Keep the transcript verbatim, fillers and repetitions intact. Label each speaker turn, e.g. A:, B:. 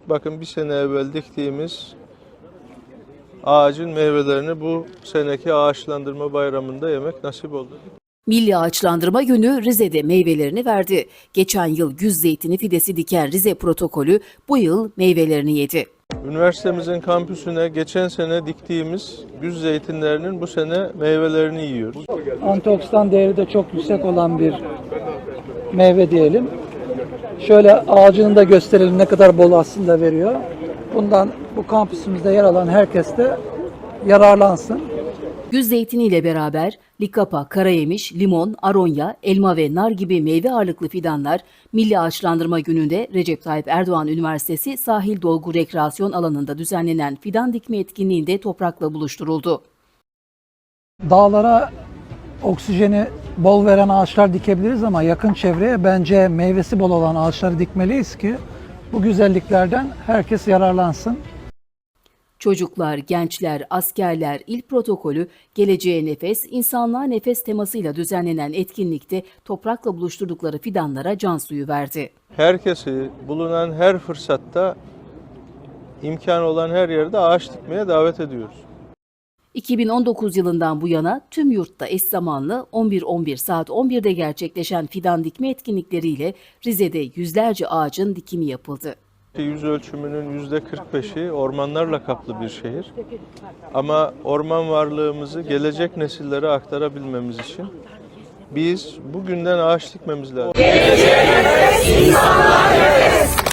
A: Bakın bir sene evvel diktiğimiz ağacın meyvelerini bu seneki ağaçlandırma bayramında yemek nasip oldu.
B: Milli Ağaçlandırma Günü Rize'de meyvelerini verdi. Geçen yıl güz zeytini fidesi diken Rize protokolü bu yıl meyvelerini yedi.
A: Üniversitemizin kampüsüne geçen sene diktiğimiz güz zeytinlerinin bu sene meyvelerini yiyoruz.
C: Antioksidan değeri de çok yüksek olan bir meyve diyelim. Şöyle ağacını da gösterelim ne kadar bol aslında veriyor. Bundan bu kampüsümüzde yer alan herkes de yararlansın.
B: Güz zeytini ile beraber likapa, karayemiş, limon, aronya, elma ve nar gibi meyve ağırlıklı fidanlar Milli Ağaçlandırma Günü'nde Recep Tayyip Erdoğan Üniversitesi Sahil Dolgu Rekreasyon Alanı'nda düzenlenen fidan dikme etkinliğinde toprakla buluşturuldu.
C: Dağlara oksijeni bol veren ağaçlar dikebiliriz ama yakın çevreye bence meyvesi bol olan ağaçları dikmeliyiz ki bu güzelliklerden herkes yararlansın.
B: Çocuklar, gençler, askerler, il protokolü, geleceğe nefes, insanlığa nefes temasıyla düzenlenen etkinlikte toprakla buluşturdukları fidanlara can suyu verdi.
A: Herkesi bulunan her fırsatta, imkan olan her yerde ağaç dikmeye davet ediyoruz.
B: iki bin on dokuz yılından bu yana tüm yurtta eş zamanlı on bir on bir saat on birde gerçekleşen fidan dikme etkinlikleriyle Rize'de yüzlerce ağacın dikimi yapıldı.
A: Yüz ölçümünün yüzde kırk beşi ormanlarla kaplı bir şehir. Ama orman varlığımızı gelecek nesillere aktarabilmemiz için biz bugünden ağaç dikmemiz lazım.
D: Geleceğe nefes, insanlığa nefes.